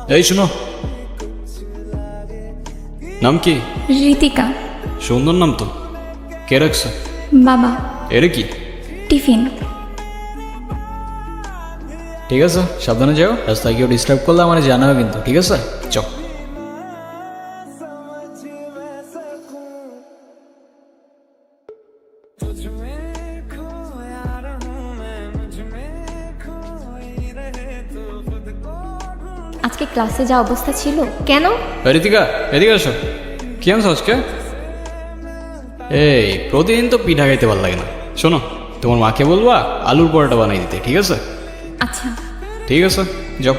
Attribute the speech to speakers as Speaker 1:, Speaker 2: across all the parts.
Speaker 1: এই শোনো, নাম কি?
Speaker 2: ঋতিকা।
Speaker 1: সুন্দর নাম তো, কে রাখছে?
Speaker 2: বাবা।
Speaker 1: এরে কি?
Speaker 2: টিফিন।
Speaker 1: ঠিক আছে, সাবধানে যাও। রাস্তায় কেউ ডিস্টার্ব করলে আমার জানাবে কিন্তু, ঠিক আছে? চ।
Speaker 2: আজকে ক্লাসে যা অবস্থা ছিল। কেন?
Speaker 1: ঋতিকা, এদিকে আসো। কি আনছো আজকে? এই প্রতিদিন তো পিঠা খাইতে ভালো লাগে না। শোনো, তোমার মাকে বলবা আলুর পরোটা বানাই দিতে, ঠিক আছে?
Speaker 2: আচ্ছা।
Speaker 1: ঠিক আছে, যাও।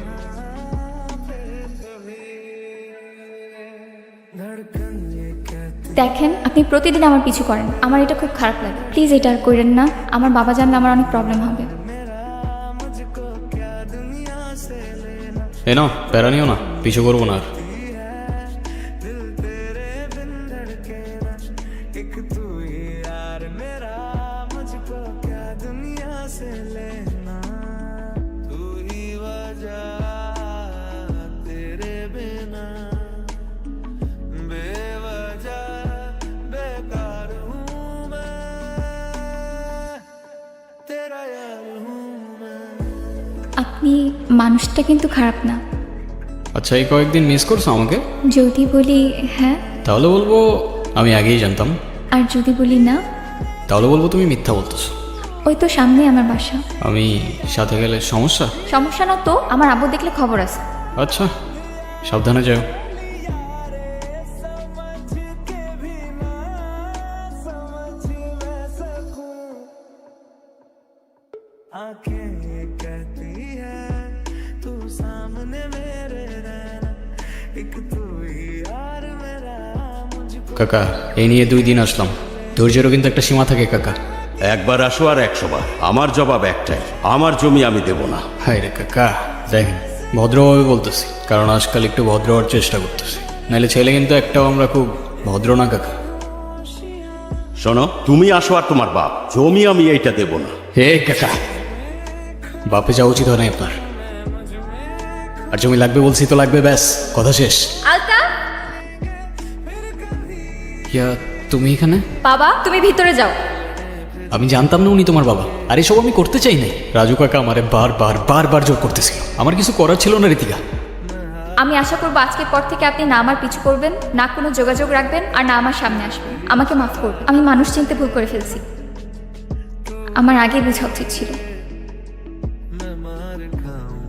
Speaker 2: দেখেন, আপনি প্রতিদিন আমার পিছু করেন, আমার এটা খুব খারাপ লাগে। প্লিজ এটা আর করেন না, আমার বাবা জানলে আমার অনেক প্রবলেম হবে।
Speaker 1: এ নাও, প্যারা নিও না, পিছু করবো না আর।
Speaker 2: আপনি মানুষটা কিন্তু খারাপ না।
Speaker 1: আচ্ছা, এই কয়েকদিন মিস করছো আমাকে?
Speaker 2: যদি বলি হ্যাঁ,
Speaker 1: তাহলে বলবো আমি আগেই জানতাম।
Speaker 2: আর যদি বলি না,
Speaker 1: তাহলে বলবো তুমি মিথ্যা বলতেছো।
Speaker 2: ওই তো সামনে আমার বাসা।
Speaker 1: আমি সাথে গেলে সমস্যা?
Speaker 2: সমস্যা না তো, আমার আব্বু দেখলে খবর আছে।
Speaker 1: আচ্ছা, সাবধানে যাও। কাকা, এই নিয়ে 2 দিন আসলাম, ধৈর্যেরও কিন্তু একটা সীমা থাকে কাকা।
Speaker 3: একবার আসো আর 100 বার। আমার জবাব একটাই, আমার জমি আমি দেব না।
Speaker 1: হায় রে কাকা, দেখেন ভদ্রভাবে বলতেছি, কারণ আজকাল একটু ভদ্র হওয়ার চেষ্টা করতেছি, নাহলে ছেলে কিন্তু একটাও আমরা খুব ভদ্র না কাকা।
Speaker 3: শোনো, তুমি আসো আর তোমার বাপ, জমি আমি এইটা দেব না।
Speaker 1: হে কাকা, বাপে যাওয়া উচিত হয় না আপনার। আর জমি লাগবে বলছি তো লাগবে, ব্যাস কথা শেষ।
Speaker 2: আলতা।
Speaker 1: ইয়া, তুমি এখানে?
Speaker 2: বাবা, তুমি ভিতরে যাও।
Speaker 1: আমি জানতাম না উনি তোমার বাবা, আর এসব আমি করতে চাই নাই। রাজু কাকা আমারে বারবার বারবার জোর করতেছিল, আমার কিছু করার ছিল না ঋতিকা।
Speaker 2: আমি আশা করবো আজকের পর থেকে আপনি না আমার পিছু করবেন, না কোনো যোগাযোগ রাখবেন, আর না আমার সামনে আসবেন। আমাকে মাফ করবেন, আমি মানুষ চিনতে ভুল করে ফেলছি। আমার আগে বোঝা উচিত ছিল।